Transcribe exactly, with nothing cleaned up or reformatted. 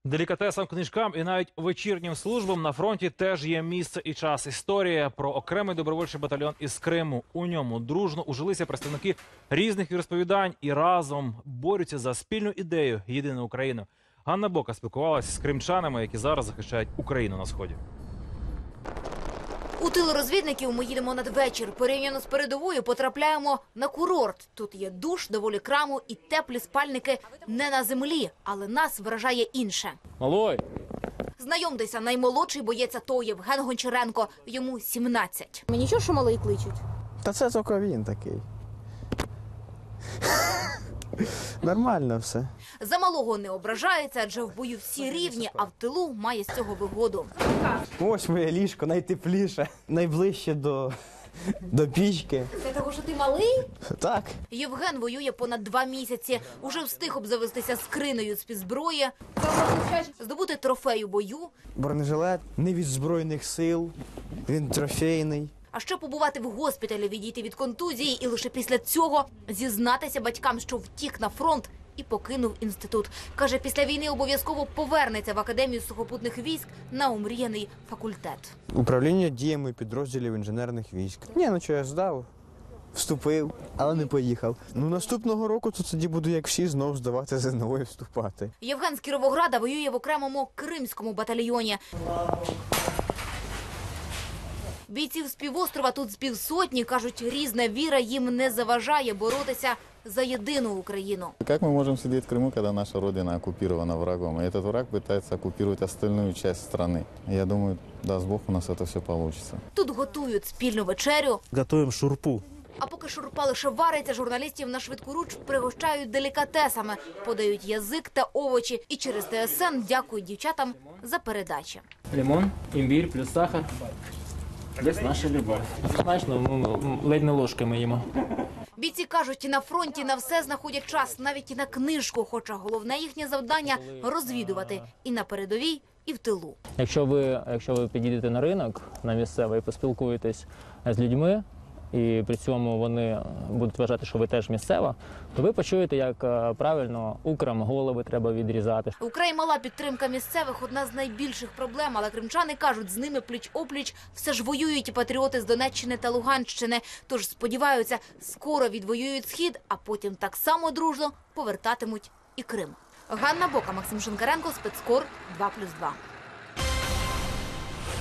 Делікатесам, книжкам і навіть вечірнім службам на фронті теж є місце і час. Історія про окремий добровольчий батальйон із Криму. У ньому дружно ужилися представники різних віросповідань і разом борються за спільну ідею «Єдину Україну». Ганна Бока спілкувалася з кримчанами, які зараз захищають Україну на Сході. У тил розвідників ми їдемо надвечір. Порівняно з передовою потрапляємо на курорт. Тут є душ, доволі краму і теплі спальники не на землі. Але нас вражає інше. Малой! Знайомтеся, наймолодший боєць АТО Євген Гончаренко. Йому сімнадцять. Мені нічого, що малий кличуть? Та це тільки він такий. Нормально все. За малого не ображається, адже в бою всі рівні, а в тилу має з цього вигоду. Ось моє ліжко, найтепліше, найближче до, до пічки. Це того, що ти малий? Так. Євген воює понад два місяці. Уже встиг обзавестися скринею з-під зброї, здобути трофей у бою. Бронежилет не від Збройних сил, він трофейний. А ще побувати в госпіталі, відійти від контузії і лише після цього зізнатися батькам, що втік на фронт і покинув інститут. Каже, після війни обов'язково повернеться в Академію сухопутних військ на омріяний факультет. Управління діями підрозділів інженерних військ. Ні, ну що, я здав, вступив, але не поїхав. Ну наступного року то тоді буду, як всі, знов здавати ЗНО і вступати. Євген з Кіровограда воює в окремому кримському батальйоні. Бійців з півострова тут з півсотні, кажуть, різна віра їм не заважає боротися за єдину Україну. Как мы можем сидеть в Крыму, когда наша родина оккупирована врагом? И этот враг пытается оккупировать остальную часть страны. Я думаю, даст Бог, у нас это все получится. Тут готують спільну вечерю. Готовим шурпу. А поки шурпа лише вариться, журналістів на швидкоруч пригощають делікатесами, подають язик та овочі і через ТСН дякують дівчатам за передачі. Лимон, імбір плюс сахар. Десь наша любов. Смачно, ми ледь не ложками їмо. Бійці кажуть, на фронті на все знаходять час, навіть і на книжку, хоча головне їхнє завдання – розвідувати і на передовій, і в тилу. Якщо ви, якщо ви підійдете на ринок, на місцевий, і поспілкуєтесь з людьми, і при цьому вони будуть вважати, що ви теж місцева, то ви почуєте, як правильно украм голови треба відрізати. Украй мала підтримка місцевих – одна з найбільших проблем, але кримчани кажуть, з ними пліч-опліч все ж воюють і патріоти з Донеччини та Луганщини. Тож сподіваються, скоро відвоюють Схід, а потім так само дружно повертатимуть і Крим. Ганна Бока, Максим Шинкаренко, спецкор два плюс два.